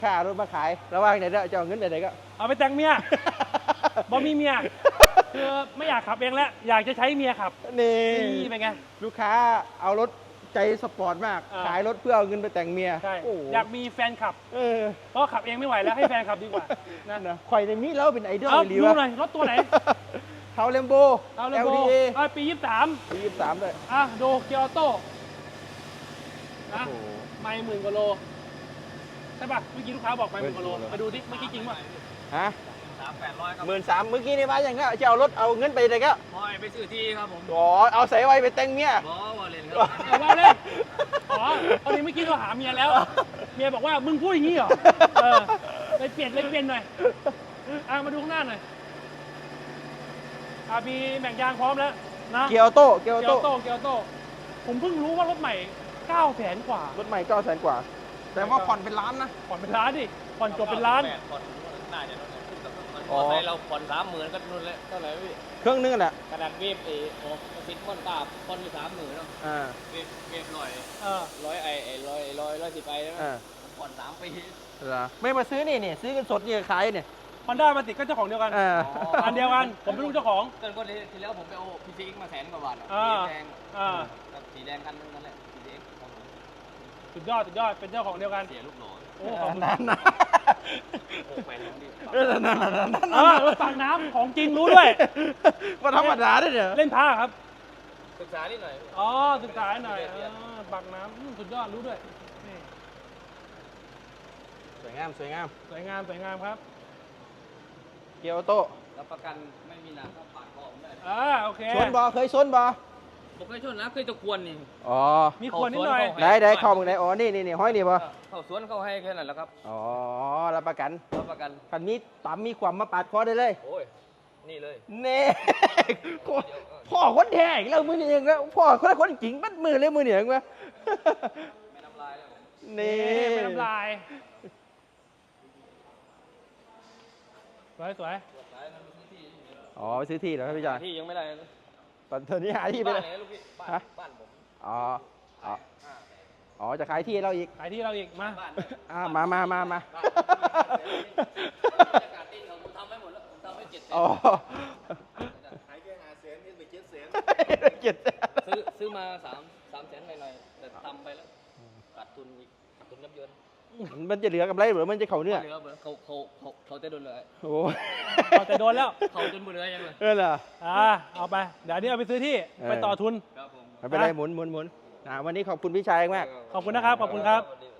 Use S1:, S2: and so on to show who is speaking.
S1: ค่ารถมาขายระหว่างไหนจะเอาเงินไหนก็
S2: เอาไปแต่งเมียบ่มีเมียคือไม่อยากขับเองแล้วอยากจะใช้เมียขับ
S1: นี่
S2: เป็นไง
S1: ลูกค้าเอารถใจสปอร์ตมากขายรถเพื่อเอาเงินไปแต่งเมีย
S2: ใช่อยากมีแฟนขับเพราะขับเองไม่ไหวแล้วให้แฟนขับดีกว่า
S1: นะข่อยในนี้แล้วเป็นไอดอล
S2: เลยดูหน่อยรถตัวไหน
S1: เทาเลมโบ
S2: LDA ปี
S1: 23เลย
S2: ดูเกียร์ออโต้นะไม่10,000 กว่าโลใช่ป่ะเมื่อกี้ลูกค้าบอกไม่10,000 กว่าโลไปดูดิเมื่อกี้จริงป่ะ
S1: ฮะ
S3: 13,800 ครับ
S1: 13,000เมื่อกี้นี่มาอย่างก็จะเอารถเอาเงินไปไหนก็
S3: ไปซื้อที่ครับผม
S1: เอาใส่ไว้ไปแต่งเมีย
S3: ว่าเล่นครับ
S2: ว่าเล่นตอนนี้เมื่อกี้เราหาเมียแล้วเมียบอกว่ามึงพูดอย่างนี้เหรอเลยเปลี่ยนหน่อยมาดูข้างหน้าหน่อยมีแบ่งยางพร้อมแล้วนะ
S1: เกียร์โต้
S2: ผมเพิ่งรู้ว่ารถใหม่900,000 กว่าร
S1: ถใหม่900,000 กว่าแต่ว่าผ่อนเป็นล้านนะ
S2: ผ่อนเป็นล้านดิผ่อนจบเป็นล้าน
S3: ผ่อนน่าจะมอไซค์เราผ่อน30,000ก็นู่นแล้วเท่าไหร่พี่
S1: เครื่องนึงแหละ
S3: ขนาดเวฟซิดผ่อนตาผ่อนอยู่30,000เนาะเวฟ110ไปแล้วผ่อน3 ปี
S1: ไม่มาซื้อนี่ซื้อกันสดนี่ขายเนี่ย
S2: Honda มาติดก็เจ้าของเดียวกันอันเดียวกันผมเป็นลูกเจ้าของ
S3: เกินก็ทีแล้วผมไปเอา PCX มา100,000 กว่าบาทสีแดงกันนั่นแหละ PCX
S2: สุดยอดเป็นเจ้าของเดียวกัน
S3: เสียลูกหล่อ
S1: นั่น
S2: รถปากน้ำของจริงรู้ด้วย
S1: ว่าธรรมดาด้วยเนี่ย
S2: เล่นผ้าครับ
S3: ศึกษานิดหน่อย
S2: ศึกษาหน่อยปากน้ำสุดยอดรู้ด้วย
S1: สวยงาม
S2: ครับ
S1: เกียร์ออโต้
S3: รับประกันไม่มีหนักก็ปาดคอผมได้
S2: โอเค
S1: ชนบอเคยชนบอ
S3: ผมเคยชนแล้วเคยตะควนนี่
S2: มีควนนิดหน่อย
S1: ได้เข้ามึงไหนนี่ห้อยนี่บอ
S3: เข้าสวนเข้าให้แค่นั้นแหละครับ
S1: รับประกันคันนี้ปั๊มมีความมาปาดคอได้เลย
S3: โอ้ยนี่เลย
S1: เน่พ่อคนแท้อีกแล้วมือนี่เองแล้วพ่อคนจริงมัดมือเลยมือเหนียงวะ
S3: ไม่น้ำลายแล้ว
S2: นี่ไม่น้ำลายสวย
S1: ไปซื้อที่แล้วครับพี่จอน
S3: ที่ยังไม่ได้
S1: ตอนนี้หาที่ไปเลย
S3: บ้านผม
S1: จะขายที่เราอีก
S2: มา
S1: มา
S3: ทำไม่หมดแล้วทำไม่700,000ขายแค่500,000นี่ไป700,000ซื้อมา300,000หน่อยแต่ทำไปแล้วขาดทุนอีกทุนยับเยิน
S1: มันจะเหลือกำไรหรือมันจะเข่าเนื้อ
S3: เขาจะโดนเลย
S2: เขาจะโดนแล้ว
S3: เขาจนหมดเลยยังเลย
S1: เหรอ
S2: เอาไปเดี๋ยวนี้เอาไปซื้อที่ไปต่อทุน
S1: ไม่เป็นไรหมุนวันนี้ขอบคุณพี่ชายมาก
S2: ขอบคุณนะครับ